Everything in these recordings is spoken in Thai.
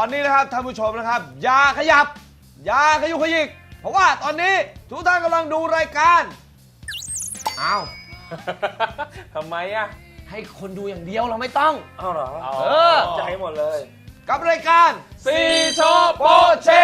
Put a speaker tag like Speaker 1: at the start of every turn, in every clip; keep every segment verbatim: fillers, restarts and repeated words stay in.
Speaker 1: อนนี้นะครับท่านผู้ชมนะครับอย่าขยับอย่าขยุกขยิกเพราะว่าตอนนี้ทุกท่านกำลังดูรายการอ้าว
Speaker 2: ทำไมอ่ะ
Speaker 1: ให้คนดูอย่างเดียวเราไม่ต้อง
Speaker 2: อ้าวเหรอ
Speaker 1: เออ
Speaker 2: จะให้หมดเลย
Speaker 1: กับรายการ
Speaker 2: ซีโชโปเช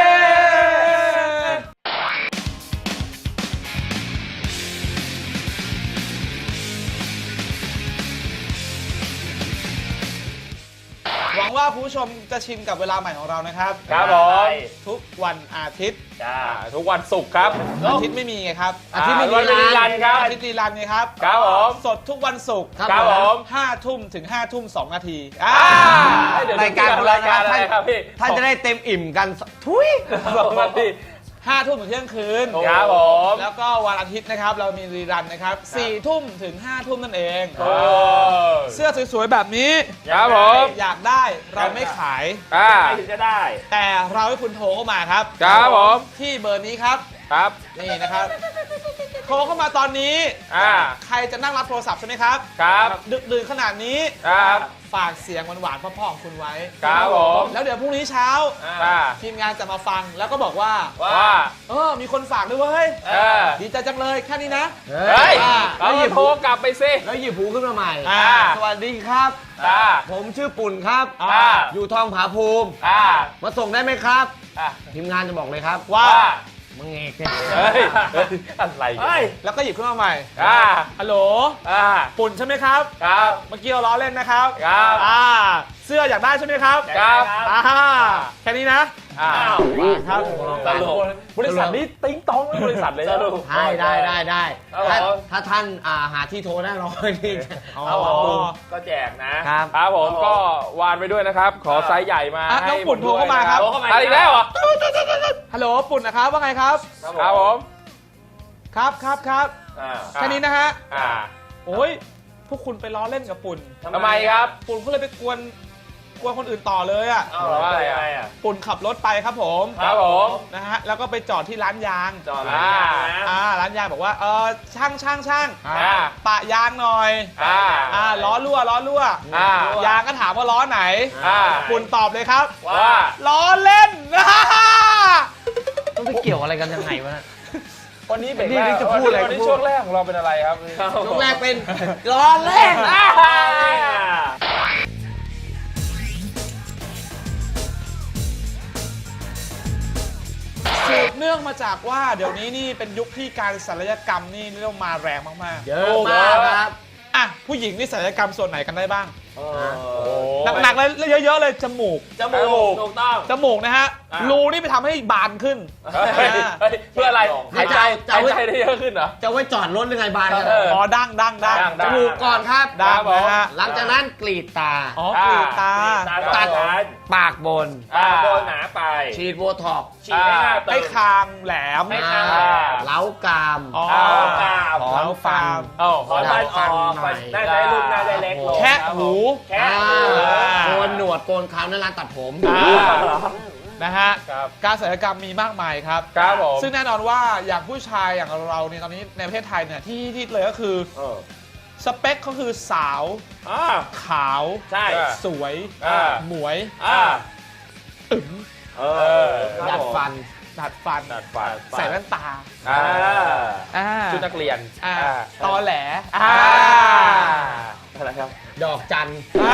Speaker 1: หวังว่าคุณผู้ชมจะชินกับเวลาใหม่ของเรานะครับ
Speaker 2: ครับผม
Speaker 1: ทุกวันอาทิตย์
Speaker 2: จ้าทุกวันศุกร์ครับ
Speaker 1: อาทิตย์ไม่มีไงครับ
Speaker 2: อาทิตย์ไม่มีรีรันครับ
Speaker 1: อาทิตย์รีรันไงครับ
Speaker 2: ครับผม
Speaker 1: สดทุกวันศุกร์
Speaker 2: ครับผม
Speaker 1: ห้าทุ่มถึงห้าทุ่มสองนาที
Speaker 2: รายการของเราครับท่าน
Speaker 1: ท่านจะได้เต็มอิ่มกันทุย
Speaker 2: สองนาที
Speaker 1: ห้าทุ่มถึงเที่ยงคืน
Speaker 2: ครับผม
Speaker 1: แล้วก็วันอาทิตย์นะครับเรามีรีรันนะครับสี่ทุ่มถึงห้าทุ่มนั่นเองเสื้อสวยๆแบบนี้
Speaker 2: ครับผม
Speaker 1: อยากได้เราไม่ขาย
Speaker 2: ไม่ถึงจะได้
Speaker 1: แต่เราให้คุณโทรเข้ามาครับ
Speaker 2: ครับผม
Speaker 1: ที่เบอร์นี้ครับ
Speaker 2: ครับ
Speaker 1: นี่นะครับโทรเข้ามาตอนนี้ใครจะนั่งรับโทรศัพท์ใช่ไหมครับ
Speaker 2: ครับ
Speaker 1: ดึกดื่นขนาดนี้
Speaker 2: ครับ
Speaker 1: ฝากเสียงหวานๆพ่อๆของคุณไว้
Speaker 2: ครับผม
Speaker 1: แล้วเดี๋ยวพรุ่งนี้เช้าทีมงานจะมาฟังแล้วก็บอกว่า
Speaker 2: ว่า
Speaker 1: เออมีคนฝากด้วยเว้ยดีใจจังเลยแค่นี้นะ
Speaker 2: เฮ้ยเราหยิบโทรกลับไปสิ
Speaker 1: แล้วหยิบหูขึ้นมาใหม่สวัสดีครับผมชื่อปุ่นครับอยู่ทองผาภูมิมาส่งได้ไหมครับทีมงานจะบอกเลยครับว่ามึงเอกเนี่ย
Speaker 2: อะไร
Speaker 1: แล้วก็หยิบขึ้นมาใหม่ฮัลโหลปุ่นใช่ไหมครับ
Speaker 2: ครับ
Speaker 1: เมื่อกี้เราล้อเล่นนะครับ
Speaker 2: ครับ
Speaker 1: เสื้ออยากได้ใช่ไหมครับ
Speaker 2: ครับ
Speaker 1: แค่นี้นะ
Speaker 2: ครับบริษัทนี้ติ้งต้องบริษัทเลยนะ
Speaker 1: ได้ได้ได้ได้ถ้าท่านหาที่โทรได้รอนี่
Speaker 2: ก็แจกนะครับครับผมก็วานไปด้วยนะครับขอไซส์ใหญ่มาให้
Speaker 1: น้องปุ่นโทรเข้ามาครับ
Speaker 2: อะไรอีกแล้วเหรอ
Speaker 1: ฮัลโหลปุ่นนะครับว่าไงครับ
Speaker 2: ครับผม
Speaker 1: ครับครับครับแค่นี้นะฮะโอ้ยพวกคุณไปล้อเล่นกับปุ่น
Speaker 2: ทำไมครับ
Speaker 1: ปุ่นก็เลยไปกวนกวนคนอื่นต่อเลยอ่ะ
Speaker 2: ว่าอะไรอ่ะ
Speaker 1: ปุ่นขับรถไปครับผม
Speaker 2: ครับผม
Speaker 1: นะฮะแล้วก็ไปจอดที่ร้านยาง
Speaker 2: จอดร้านยาง
Speaker 1: อ่าร้านยางบอกว่าเออช่างช่างช่างปะยางหน่อย
Speaker 2: อ่า
Speaker 1: อ่าล้อรั่วล้อรั่วยางก็ถามว่าล้อไหนปุ่นตอบเลยครับ
Speaker 2: ว่า
Speaker 1: ล้อเล่นต้องไปเกี่ยวอะไรกันยังไงวะ
Speaker 2: วันนี้เป็นนี่จะพูดอะไรวันนี้ช่วงแรกของเราเป็นอะไรครับ
Speaker 1: ช่วงแรกเป็นล้อเล่นสืบเนื่องมาจากว่าเดี๋ยวนี้นี่เป็นยุคที่การศัลยกรรมนี่เรียกมาแรงมากๆ
Speaker 2: เยอะมากครับ
Speaker 1: อ่ะผู้หญิงนี่ศัลยกรรมส่วนไหนกันได้บ้างหนักๆเลยเยอะๆเลยจมูก
Speaker 2: จมูกถูกต้อง
Speaker 1: จมูกนะฮะรูนี่ไปทำให้บานขึ้น
Speaker 2: เพื่ออะไรหายใจหายใจได้เยอะขึ้นเหรอ
Speaker 1: จะไว้จอดรถหรือไงบานกันอ๋อดั้งดั้งดั้งจมูกก่อนครับ
Speaker 2: ดั้งนะฮะ
Speaker 1: หลังจากนั้นกรีดตาอ๋อกรีดตาตัดปากบน
Speaker 2: ปากบนหนาไป
Speaker 1: ฉีดโบท็อกซ์
Speaker 2: ฉีดให้หน้าตึง
Speaker 1: ให้คางแหลม
Speaker 2: ให้คาง
Speaker 1: เล้ากราม
Speaker 2: เล้ากราม
Speaker 1: เล้าฟัน
Speaker 2: ขอฟันออกน่าได้ลูกน่าได้เล็กลง
Speaker 1: แค่หู
Speaker 2: แค่
Speaker 1: โกนหนวดโกนคราวนั่นร้านตัดผมนะฮะการศัลยกรรมมีมากมายครับซึ่งแน่นอนว่าอย่างผู้ชายอย่างเราเนี่ยตอนนี้ในประเทศไทยเนี่ยที่ที่เลยก็คือสเปคก็คือสาวขาวสวยหมวยอึ๋งดัดฟันดัดฟันใส่แว่นตา
Speaker 2: ชุดนักเรียน
Speaker 1: ตอแหล
Speaker 2: อะไรครับ
Speaker 1: ดอกจัน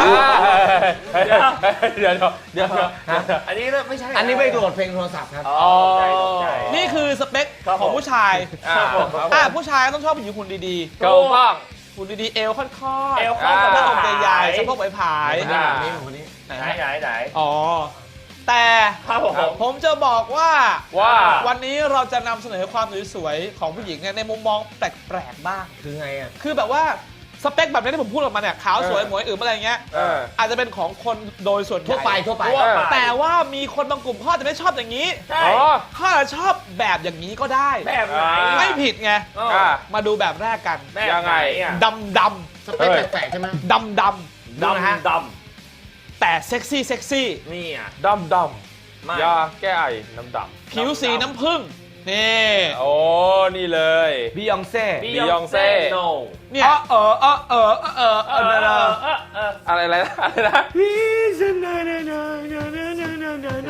Speaker 2: เดี๋ยวเดี๋ยวอันนี้ไม่ใช่
Speaker 1: อันนี้ไม่โหลดเพลงโทรศัพท์ครับนี่คือสเปคของผู้ชายผู้ชายต้องชอบผู้หญิงหุ่นดีๆ
Speaker 2: เก่าบ้าง
Speaker 1: หุ่นดีๆเอวค่อนๆเอวค่อนๆสะโพกใหญ่ๆสะโพกผายๆ
Speaker 2: นี่คนนี้ไหนไหนไหน
Speaker 1: อ๋อแต่ผมจะบอกว่า
Speaker 2: ว่า
Speaker 1: วันนี้เราจะนำเสนอความสวยๆของผู้หญิงเนี่ยในมุมมองแปลกๆบ้าง
Speaker 2: คือไงอ่ะ
Speaker 1: คือแบบว่าสเปคแบบนี้ที่ผมพูดออกมาเนี่ยขาวสวยหมวยอึ๋มอะไรเงี้ยอาจจะเป็นของคนโดยส่วนทั่วไปทั่วไปแต่ว่ามีคนบางกลุ่มเขาจะไม่ชอบอย่างนี้เขาอาจจะชอบแบบอย่างนี้ก็ได้
Speaker 2: แบบไหน
Speaker 1: ไม่ผิดไงมาดูแบบแรกกัน
Speaker 2: ยังไง
Speaker 1: ดำดำสเปคแปลกๆใช่ไหมดำดำ
Speaker 2: ดำดำ
Speaker 1: แต่เซ็กซี่เซ็กซี่
Speaker 2: นี่อ่ะดำดำยาแก้ไอน้ำดำ
Speaker 1: ผิวสีน้ำผึ้งนี่
Speaker 2: โอ้นี่เลย
Speaker 1: บียองเซ่
Speaker 2: บียองเซ่
Speaker 1: เนี่ยเออเออเออเออเออเออ
Speaker 2: อะไรอะไรอะไรนะ
Speaker 1: พี่ฉันนะนะนะนะนะนะนะ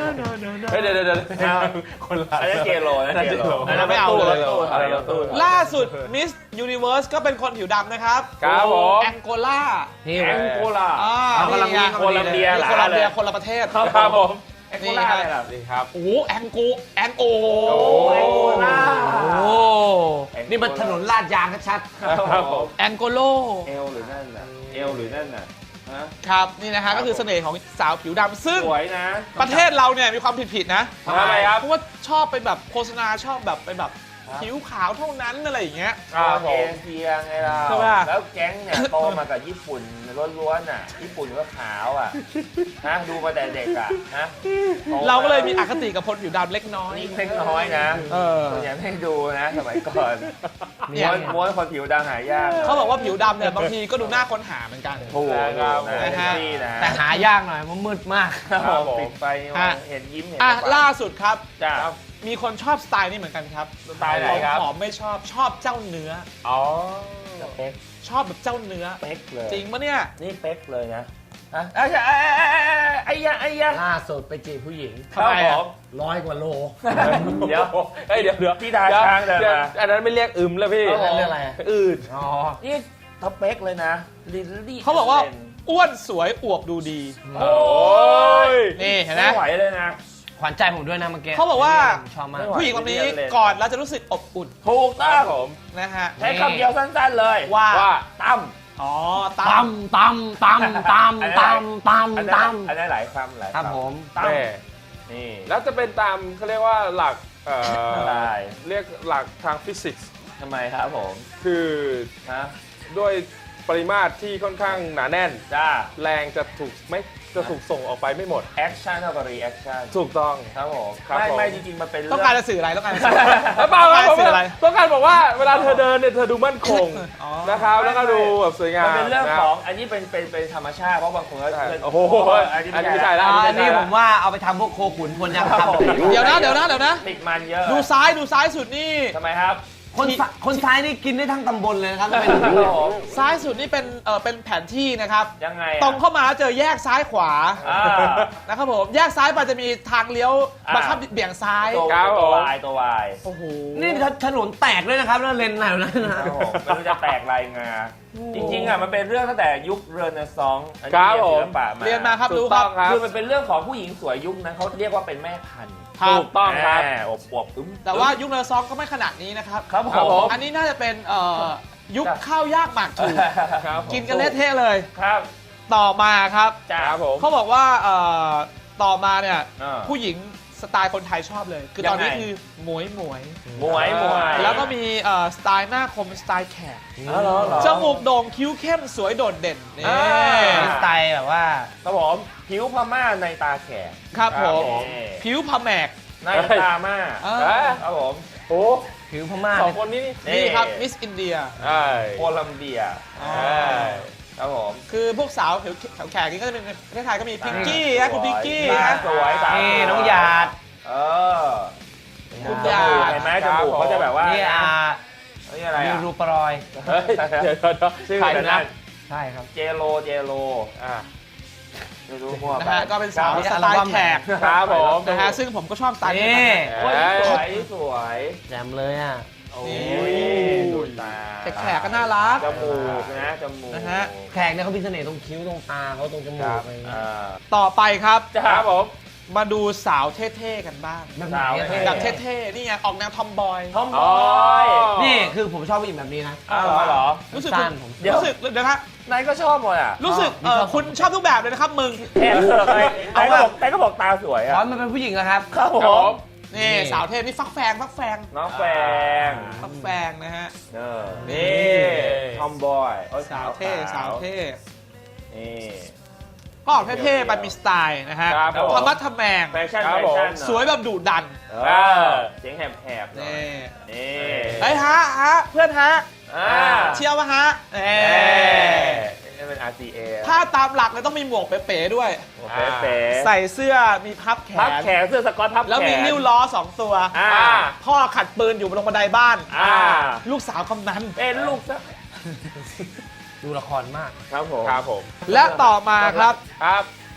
Speaker 2: เดี๋ยวเดี๋ยวเดี๋ยวคนละ
Speaker 3: อันนี้เจโรนะเจโร
Speaker 1: อันนั้นไม่เอาเลย
Speaker 3: อะไรรถตู้
Speaker 1: ล่าสุดมิสยูนิเวิร์สก็เป็นคนผิวดำนะครับ
Speaker 2: ครับผม
Speaker 1: แองโกลา
Speaker 4: นี่
Speaker 3: แองโกลา
Speaker 1: อ่า
Speaker 4: เอากำลัง
Speaker 1: นี่ไง
Speaker 3: โคลัมเบีย
Speaker 1: นี่โคลัมเบียคนละประเทศ
Speaker 2: ครับผม
Speaker 3: แองโกลาอะไรล่ะ
Speaker 2: ดีครับ
Speaker 1: โอ้โหแองโกแองโอ
Speaker 3: โอ้แองโกลา
Speaker 4: โอ้นี่มันถนนลาดยางชัด
Speaker 2: ครับผม
Speaker 1: แองโกโล
Speaker 3: เอลหรือนั่นน่ะเอลหรือนั่นน่ะฮะ
Speaker 1: ครับนี่นะฮะก็คือเสน่ห์ของสาวผิวดำซึ่ง
Speaker 3: สวยนะ
Speaker 1: ประเทศเราเนี่ยมีความผิดๆนะ
Speaker 2: ทำไมครับ
Speaker 1: เพราะว่าชอบไปแบบโฆษณาชอบแบบไปแบบผิวขาวเท่านั้นอะไรอย่างเงี้ย
Speaker 2: ครับผ
Speaker 3: เอ
Speaker 2: ม
Speaker 3: เชียไงเรา
Speaker 1: ใช่ปะ
Speaker 3: แล้วแก๊งเนี่ยโตมากับญี่ปุ่นล้วนๆน่ะญี่ปุ่นก็ขาวอ่ะฮะดูมาแต่เด็กอ่ะฮะโตม
Speaker 1: เราก็เลยมีอคติกับคนผิวดำเล็กน้อย
Speaker 3: นี่เล็กน้อยนะ
Speaker 1: เออ
Speaker 3: ส่วนใหญ่ไม่ดูนะสมัยก่อน
Speaker 1: เนี่ย
Speaker 3: ม้วนม้วนคนผิวดำหายาก
Speaker 1: เขาบอกว่าผิวดำเนี่ยบางทีก็ดูน่าค้นหาเหมือนกัน
Speaker 3: ถูก
Speaker 2: ครับ
Speaker 3: นะ
Speaker 1: นะฮะ
Speaker 3: นี่นะ
Speaker 4: ๆ แต่หายากหน่อยเพราะมืดมาก
Speaker 3: ครับผม
Speaker 2: ผม
Speaker 3: ปิดไฟนี่
Speaker 1: ฮะ
Speaker 3: เห็นยิ้มเห็น
Speaker 1: อ่ะ
Speaker 3: ปะ
Speaker 1: ล่าสุดครับ
Speaker 3: จ้า
Speaker 1: มีคนชอบสไตล์นี้เหมือนกันครับ
Speaker 3: สไตล์ไหนครับ
Speaker 1: ผอมไม่ชอบชอบเจ้าเนื้อ
Speaker 2: อ๋อ
Speaker 3: เป๊ก
Speaker 1: ชอบแบบเจ้าเนื้อ
Speaker 3: เป๊กเลย
Speaker 1: จริงปะเนี่ย
Speaker 3: นี่เป๊กเลยนะฮะไอ้ยะไอ้ยะไอ้ยะ
Speaker 4: ล่าสุดไปจีบผู้หญิง
Speaker 3: ครับ
Speaker 1: ทำไม
Speaker 3: ผ
Speaker 1: อะ
Speaker 3: ม
Speaker 4: ร้อยกว่าโล
Speaker 3: เดี๋ยว
Speaker 2: เฮ้ยเดี๋ยวเดี๋ยว
Speaker 3: พี่ดาช้างเดินมา
Speaker 2: ดี๋ยวอันนั้นไม่เรียกอึมแล้วพี่
Speaker 3: ครับผม
Speaker 4: เรื่องอะไรอะ
Speaker 2: อืด
Speaker 4: อ๋อ
Speaker 3: นี่ท็อปเป๊กเลยนะลิลลี่
Speaker 1: เขาบอกว่าอ้วนสวยอวบดูดี
Speaker 3: โอ้ย
Speaker 1: นี่เห็นไหม
Speaker 3: ไม่ไหวเลยนะ
Speaker 4: ขวัญใจผมด้วยนะเมื่อกี้
Speaker 1: เขาบอกว่า
Speaker 4: ชอบมาก
Speaker 3: ไม่ไหว
Speaker 1: ผู้หญิงคนนี้
Speaker 3: เรียนเลย
Speaker 1: ก่อนเราจะรู้สึกอบอุ่น
Speaker 3: ถูก
Speaker 2: ค
Speaker 3: ต้อ
Speaker 2: รับ
Speaker 3: ง
Speaker 2: ผม
Speaker 1: นะฮะ
Speaker 3: ใช้คำเดียวสั้นๆเลย
Speaker 1: ว่า
Speaker 2: ว่า
Speaker 3: ตั้ม
Speaker 1: อ๋อ
Speaker 4: ต
Speaker 1: ตั้ม
Speaker 4: ำตำตำตำตำต
Speaker 3: อัน
Speaker 4: ำต
Speaker 3: นั้นอันนั้นหลายคำหลาย
Speaker 4: ำครับ
Speaker 3: คำ
Speaker 4: ผม
Speaker 3: ตั้ม
Speaker 2: แม่
Speaker 3: นี่
Speaker 2: แล้วจะเป็นตามเขาเรียกว่าหลักเอ่อ
Speaker 3: ได้
Speaker 2: เรียกหลักทางฟิสิกส์
Speaker 3: ทำไมครับผม
Speaker 2: คือ
Speaker 3: ฮะ
Speaker 2: ด้วยปริมาตรที่ค่อนข้างหนาแน่น
Speaker 3: จ้า
Speaker 2: แรงจะถูกไม่จะถูกส่งออกไปไม่หมด
Speaker 3: แอคชั่นเท่ากับรีแอคชั่น
Speaker 2: ถูกต้อง
Speaker 3: ครับผม
Speaker 2: ครับ
Speaker 3: ไม่
Speaker 2: ผม
Speaker 3: ไม่จริงๆมันเป็นเรื่
Speaker 1: ต้องการจะสื่ออะไรต้องการจะสื่อ
Speaker 2: แล้วเปล่าครับผม
Speaker 1: สื่ออะไร
Speaker 2: ต้องการบอกว่าเวลาเธอเดินเนี่ยเธอดูมั่นคง
Speaker 1: อ๋อ
Speaker 2: นะครับแล้วก็ดูแบบสวยงาม
Speaker 3: มันเป็นเรื่อง
Speaker 2: ะ
Speaker 3: ของอันนี้เป็นเป็นเป็นธรรมชาติเพราะบางคนก็
Speaker 2: ใช่
Speaker 3: เพื่อน
Speaker 2: โอ้โห
Speaker 3: อันนี้
Speaker 2: อันนี้
Speaker 3: ไม่
Speaker 2: ไม่
Speaker 3: ใช่
Speaker 2: ใช่แล้ว
Speaker 4: อันนี้ผมว่าเอาไปทำพวกโคขุนพลยัง
Speaker 3: ครับ
Speaker 4: ทำ
Speaker 3: ผม
Speaker 1: เดี๋ยวนะเดี๋ยวนะเดี๋ยวนะ
Speaker 3: ติดมันเยอะ
Speaker 1: ดูซ้ายดูซ้ายสุดนี่
Speaker 3: ทำไมครับ
Speaker 4: คนซ้ายคนซ้ายนี่กินได้ทั้งตำบลเลยนะครับเป็น
Speaker 3: ครับผม
Speaker 1: ซ้ายสุดนี่เป็นเออเป็นแผนที่นะครับ
Speaker 3: ยังไงอะ
Speaker 1: ตรงเข้ามาเจอแยกซ้ายขวา
Speaker 3: อ่า
Speaker 1: นะครับผมแยกซ้ายไปจะมีทางเลี้ยว
Speaker 3: อ่า
Speaker 1: บังคับเบี่ยงซ้าย
Speaker 3: ตัว
Speaker 2: ครับ
Speaker 3: ตัว
Speaker 2: ผม
Speaker 3: วายตัววาย
Speaker 1: โอ้โห
Speaker 4: นี่ถนนแตกด้วยนะครับแล้วเลนไหนวะนั่นนะ
Speaker 3: ครับผมไม่รู้จะแตกลายงา จริงๆอ่ะมันเป็นเรื่องตั้งแต่ยุคเรเนซองส์อัน
Speaker 2: ครั
Speaker 3: นี้
Speaker 2: บ
Speaker 3: เรียน
Speaker 2: ผม
Speaker 3: ศิลปะมา
Speaker 1: เรียนมาครับ
Speaker 2: ถู
Speaker 1: รู้
Speaker 2: ก
Speaker 1: ค
Speaker 2: ต้
Speaker 1: รั
Speaker 2: อบ งครับ
Speaker 3: คือมันเป็นเรื่องของผู้หญิงสวยยุคนั้นเขาเรียกว่าเป็นแม่พันธุ์
Speaker 1: ครับ
Speaker 2: ถูกต้องครับ
Speaker 3: แม่อบอวบอึ้ม
Speaker 1: แต่ว่ายุคเนอร์ซองก็ไม่ขนาดนี้นะครับ
Speaker 3: ครับผ
Speaker 2: ครับผม ม
Speaker 1: อันนี้น่าจะเป็นเอ่อยุคข้าวยากหมากถูก
Speaker 2: ครับผม
Speaker 1: กินกันเละเทะเลย
Speaker 3: ครับ
Speaker 1: ต่อมาครับ
Speaker 3: จ้า
Speaker 2: ครับผม
Speaker 1: เขาบอกว่าเอ่อต่อมาเนี่ย
Speaker 3: อ่า
Speaker 1: ผู้หญิงสไตล์คนไทยชอบเลย คือตอนนี้
Speaker 3: ยังไง
Speaker 1: คือหมวยหมวย
Speaker 3: หมวยหมวย
Speaker 1: แล้วก็มีเอ่อสไตล์หน้าคมสไตล์แขก
Speaker 3: อ๋อเหรอเหรอ
Speaker 1: จมูกโด่งคิ้วเข้มสวยโดดเด่นนี่
Speaker 3: อ่า
Speaker 4: สไตล์แบบว่า
Speaker 3: ครับผมผิวพม่าในตาแขก
Speaker 1: ครับผม
Speaker 3: ครับ
Speaker 1: ผิวพแมก
Speaker 3: ในตาม่า
Speaker 1: เออ
Speaker 2: เอ้ย
Speaker 3: ครับผม
Speaker 2: โอ้
Speaker 4: ผิวพม่า
Speaker 2: สองคนนี้นี่
Speaker 1: นี่ครับมิสอินเดีย
Speaker 2: ใช่
Speaker 3: โคลัมเบีย
Speaker 1: อ๋อ
Speaker 2: ใช่
Speaker 3: ครับผม
Speaker 1: คือพวกสาวผิวแขกๆนี่ก็จะเป็นประเทศไทยก็มีพิงกี้นะคุณพิงกี้
Speaker 3: ตา
Speaker 1: นะ
Speaker 3: สวยตา
Speaker 4: นี่
Speaker 3: สวย
Speaker 4: น้องหยาด
Speaker 3: เออ
Speaker 1: คุณ
Speaker 3: จ
Speaker 1: หยา
Speaker 3: มูก
Speaker 1: ด
Speaker 3: เห็นไหมจมูกเขาจะแบบว่า
Speaker 4: นี่อา
Speaker 3: นี่อะไร
Speaker 4: มี
Speaker 3: อ่ะ
Speaker 4: รูปรอย
Speaker 2: เฮ้ยเดี๋ยวเดี๋ยวเดี๋ยว
Speaker 3: ชื่อ
Speaker 2: ใคร
Speaker 3: อะไร
Speaker 2: นะ
Speaker 3: นะ
Speaker 4: ใช่ครับ
Speaker 3: เจโรเจโร
Speaker 2: อ่า
Speaker 3: ไม่รู้มั่ว
Speaker 1: นะ
Speaker 3: ไป
Speaker 1: ฮะก็เป็นสาว
Speaker 4: นี่
Speaker 1: ส
Speaker 4: อัล
Speaker 1: ไต
Speaker 4: บั้ม
Speaker 1: ล์แขก
Speaker 2: ครับผม
Speaker 1: นะฮะซึ่งผมก็ชอบสไตล์นี้
Speaker 4: นี่
Speaker 3: โอ้ยสวยสวย
Speaker 4: แจมเลยอ่ะ
Speaker 3: โอ้
Speaker 1: นี่
Speaker 3: ยดูตา
Speaker 1: แขกๆก็น่ารัก
Speaker 3: จมูกนะจมูก
Speaker 1: นะฮะ
Speaker 4: แขกเนี่ยเขามีเสน่ห์ตรงคิ้วตรงตาเขาตรงจมูกอะไรอย่างเงี้ย
Speaker 3: อ่า
Speaker 1: ต่อไปครับ
Speaker 2: ครับผม
Speaker 1: มาดูสาวเท่ๆกันบ้าง
Speaker 4: แบบไหนอะ
Speaker 3: สาว
Speaker 1: แบบเท่ๆนี่ไงออกแนวทอมบอย
Speaker 3: ทอมบ
Speaker 2: อ๋
Speaker 3: อ
Speaker 2: อ
Speaker 3: ย
Speaker 4: นี่คือผมชอบผู้หญิงแบบนี้นะ
Speaker 3: อ้าวเหรอเหรอ
Speaker 1: รู้สึก
Speaker 4: สั้
Speaker 1: คุ
Speaker 4: น
Speaker 1: ณ
Speaker 4: ผม
Speaker 3: เดี๋ยว
Speaker 1: รู้สึกเดี๋ยวนะ
Speaker 3: นายก็ชอบหมดอ่ะ
Speaker 1: รู้สึกเออคุณชอบทุกแบบเลยนะครับมึง
Speaker 3: แอบเสือกเลยนายก็บอกนายก็บอกตาสวย
Speaker 4: ข
Speaker 3: อ่ะ
Speaker 4: อมันเป็นผู้หญิงนะครับ
Speaker 3: ครับผ
Speaker 2: ครับผม ม
Speaker 1: นี่
Speaker 4: นี่
Speaker 1: สาวเท่นี่ฟักแฟงฟักแฟง
Speaker 3: น้องแฟง
Speaker 1: ฟักแฟงนะฮะ
Speaker 3: เออนี่ทอมบอยโอ้ย
Speaker 1: สาวเท่สาวเท่
Speaker 3: นี่
Speaker 1: ก็ออกเท่ๆไปมีสไตล์นะฮะ
Speaker 2: ครับผม
Speaker 1: ธรรมะทแมง
Speaker 3: แฟชั่น
Speaker 2: ครั
Speaker 3: แฟ
Speaker 2: บผม
Speaker 3: ชั่น
Speaker 1: สวยแบบดุดัน
Speaker 3: เออเสียงแหบๆหน่อย
Speaker 1: นี่
Speaker 3: นี่
Speaker 1: เฮ้ยฮะฮะเพื่อนฮะ
Speaker 3: อ่า
Speaker 1: เชียววะฮะเอ้
Speaker 3: เอ๊นี่เป็น อาร์ ซี เอ
Speaker 1: ถ้าตามหลักเลยต้องมีหมวกเป๋ๆด้วย
Speaker 3: โอเคเป๋
Speaker 1: ใส่เสื้อมีพับแข
Speaker 3: พับ
Speaker 1: น
Speaker 3: แขนเสื้อสก๊อตพับแขน
Speaker 1: แล้วมีนิ้วล้อสองตัว
Speaker 3: อ่า
Speaker 1: พ่อขัดปืนอยู่บนบันไดบ้าน
Speaker 3: อ่า
Speaker 1: ลูกสาวกำนัน
Speaker 3: เป็นลูกซะ
Speaker 4: ดูละครมาก
Speaker 3: ครับผม
Speaker 2: ครับผม
Speaker 1: และต่อมาครับ
Speaker 2: ครับ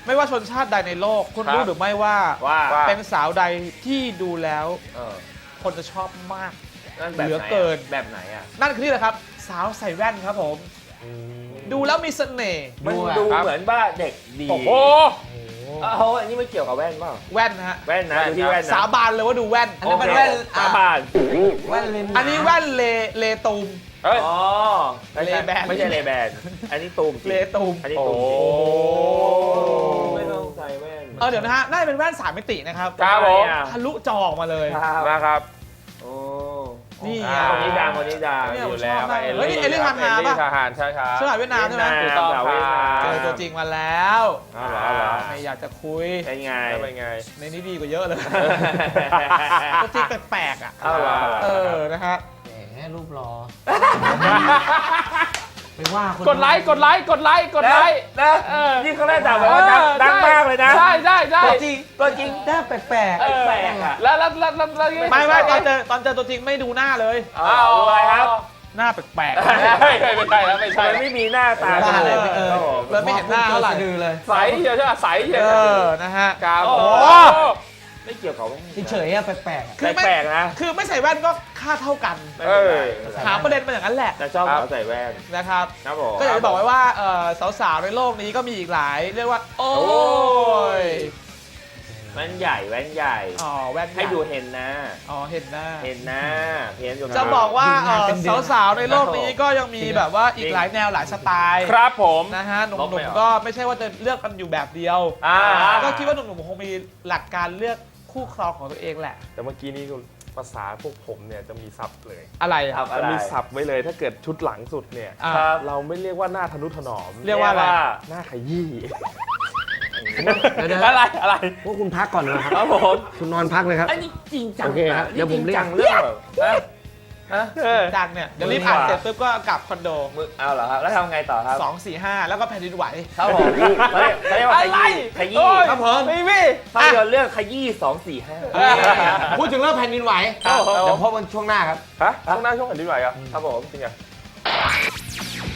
Speaker 1: ไม่ว่าชนชาติใดในโลกคุณ
Speaker 2: ครับ
Speaker 1: รู้หรือไม่ว่า
Speaker 3: ว่า
Speaker 1: เป็นสาวใดที่ดูแล้ว
Speaker 3: เออ
Speaker 1: คนจะชอบมาก
Speaker 3: นั่นแบบ
Speaker 1: เหลือ
Speaker 3: ไหน
Speaker 1: เกิน
Speaker 3: แบบไหนอ่ะ
Speaker 1: นั่นคือนี่แหละครับ สาวใส่แว่นครับผม ดูแล้วมีเสน่ห์
Speaker 3: มัน
Speaker 4: ดูอะ
Speaker 3: ดู
Speaker 2: ครับ
Speaker 3: เหมือนว่าเด็กดี
Speaker 2: โอ้โห
Speaker 3: เอ้าอันนี้ไม่เกี่ยวกับแว่นเปล่า
Speaker 1: แว่นนะฮะ
Speaker 3: แว่นนะดูที่แว่นนะ
Speaker 1: สาบานเลยว่าดูแว่น
Speaker 4: อันนี้เป็นแว่น
Speaker 3: สาบาน
Speaker 4: แว่นเลนส์
Speaker 1: อันนี้แว่นเลเลตูม
Speaker 2: เฮ้ย
Speaker 3: อ๋อไม่ใช่
Speaker 1: Ray-Ban
Speaker 3: ไม่ใช่เลแบนอันนี้ตูมจริง
Speaker 1: เลตูม
Speaker 3: อันนี้
Speaker 2: โอ้
Speaker 3: ตูม
Speaker 2: โห
Speaker 3: จริงไม่ต้องใส่แว่น
Speaker 1: เออเดี๋ยวนะฮะน่าจะเป็นแว่นสามมิตินะครับ
Speaker 2: ครับผม
Speaker 1: ทะลุจอออกมาเลย
Speaker 3: ครับ
Speaker 2: นะครับ
Speaker 3: โอ้
Speaker 1: นี่ไง
Speaker 2: อ่า
Speaker 3: คนนี้ดังคนนี้ดัง
Speaker 1: เนี่ย
Speaker 2: อยู่แล้ว
Speaker 1: ผมชอบมาก
Speaker 2: เอล
Speaker 1: เฮ้ย
Speaker 2: ลี่
Speaker 1: นี่เอลลี่
Speaker 2: ครับ
Speaker 1: ฮาฮา
Speaker 2: เอลลี่
Speaker 1: ปะ
Speaker 2: ฮาฮานใช่ครับ
Speaker 1: สมัยเวียดนามใช่ไหม
Speaker 2: ถูกต้องครับ
Speaker 1: เจอตัวจริงมาแล้ว
Speaker 2: อ๋อเหรออ๋อเหรอ
Speaker 1: ไม่อยากจะคุย
Speaker 3: เป็นไง
Speaker 2: แล้วเป็นไง
Speaker 1: ในนี้ดีกว่าเยอะเลย ตัวจริงแปลกๆอ่ะ
Speaker 3: เอาเหรอ
Speaker 1: เออนะฮะ
Speaker 4: แหมรูปรอไปว่าคน
Speaker 2: กดไลค์กดไลค์กดไลค์กดไลค์
Speaker 3: นะ
Speaker 2: เออ
Speaker 3: นี่เขาแรกด่าแบบว่าดังดังมากเลยนะ
Speaker 2: ใช่ใช่ใช่
Speaker 4: ตัวจริงตัวจริงหน้าแปลก
Speaker 3: แปลกๆอ่ะ
Speaker 2: แล้วแล้วแล้วแล้วแล้ว
Speaker 1: ไม่ไม่ตอนเจอตอนเจอตัวจริงไม่ดูหน้าเลย
Speaker 3: เอาอะไรครับ
Speaker 1: หน้าแปลก
Speaker 2: ไม่ใช่ไม่ใช่แล้วไม่
Speaker 3: ทำ
Speaker 2: ใช่
Speaker 3: ไมไม่มีหน้าตา
Speaker 4: ๆ
Speaker 3: กัน
Speaker 4: อะไร
Speaker 3: เลย
Speaker 4: เออ
Speaker 3: ครับผม
Speaker 1: เลยไม่เห็นหน้าเท่าไหร่
Speaker 4: ดือเลย
Speaker 2: ใสเชียวใช่ไหมใสเชียว
Speaker 1: เออนะฮะ
Speaker 2: ครับ
Speaker 3: โอ้
Speaker 2: โอ้
Speaker 3: โห
Speaker 2: โห
Speaker 3: ไม่เกี่ยวกับ
Speaker 4: เฉยๆอะแปลกๆอะ
Speaker 1: คือไม่
Speaker 3: แปลกๆนะ
Speaker 1: คือไม่ใส่แว่นก็ค่าเท่ากัน
Speaker 3: ไม่เป็นไร
Speaker 1: หาประเด็นมาอย่างนั้นแหละ
Speaker 3: แต่ชอบสาวใส่แว่น
Speaker 1: นะครับ
Speaker 3: ครับผม
Speaker 1: ก็อยากจะบอกไว้ว่าเอ่อสาวๆในโลกนี้ก็มีอีกหลาย เรียกว่า โอ้ย
Speaker 3: แว่นใหญ่แว่นใหญ่
Speaker 1: อ๋อแว่น
Speaker 3: ให้ดูเห็นนะ
Speaker 1: อ๋อเห็นหน้า
Speaker 3: เห็นนะเห็นอยู่
Speaker 1: จะบอกว่าเอ่อ
Speaker 4: เป็นเดือน
Speaker 1: สาวๆในโลกนี้ก็ยังมีแบบว่าอีกหลายแนวหลายสไตล์
Speaker 2: ครับผม
Speaker 1: นะฮะห
Speaker 2: ลบ
Speaker 1: นุ่
Speaker 2: ไป
Speaker 1: ม
Speaker 2: เหรอ
Speaker 1: ๆก็ไม่ใช่ว่าจะเลือกกันอยู่แบบเดียว
Speaker 2: อ่า
Speaker 1: ก็คิดว่าหนุ่มๆคงมีหลักการเลือกคู่ครองของตัวเองแหละ
Speaker 2: แต่เมื่อกี้นี้ภาษาพวกผมเนี่ยจะมีศัพท์เลย
Speaker 1: อะไร
Speaker 3: ครั
Speaker 1: อ่ะ
Speaker 3: บ
Speaker 2: จะมีศัพท์ไว้เลยถ้าเกิดชุดหลังสุดเนี่ย
Speaker 1: อ่ะ
Speaker 3: ครับ
Speaker 2: เราไม่เรียกว่าหน้าทะนุถนอม
Speaker 1: เรียกว่าอะไร
Speaker 2: หน้าขยี้
Speaker 4: เดี๋ยว
Speaker 2: อะไรอะไร
Speaker 4: ๆพวกคุณพักก่อนนะค
Speaker 3: ค
Speaker 4: รั
Speaker 3: รั
Speaker 4: บบ
Speaker 3: ผม
Speaker 4: คุณนอนพักเลยครับ
Speaker 3: อันนี้จริงจัง
Speaker 4: โอเคครับเดี๋ยวผมเรียก
Speaker 3: จงจังเรื่องแบบฮะฮะ
Speaker 2: เออ
Speaker 1: จังเนี่ยเดี๋ยวรีบอ่านเสร็จปุ๊บก็กลับคอนโด
Speaker 3: มึงเอาเหรอครับแล้วทำไงต่อครับ
Speaker 1: สอง สี่ ห้า แล้วก็แผ่นดินไหว
Speaker 3: ครับผมเขาเรียกเขาเรียกว่าขยี้ขยี้
Speaker 2: โอ้ย
Speaker 1: ครับผม
Speaker 2: ไม่มี
Speaker 3: ภาพยนตร์เรื่องขยี้สองสี่ห้า
Speaker 4: พูดถึงเรื่องแผ่นดินไหว
Speaker 2: ครับผม
Speaker 4: เดี๋ยวพบกันช่วงหน้าครับ
Speaker 2: ฮะช่วงหน้าช่วงแผ่นดินไหวอ่ะ
Speaker 3: ครับผม
Speaker 2: จริงอ่ะ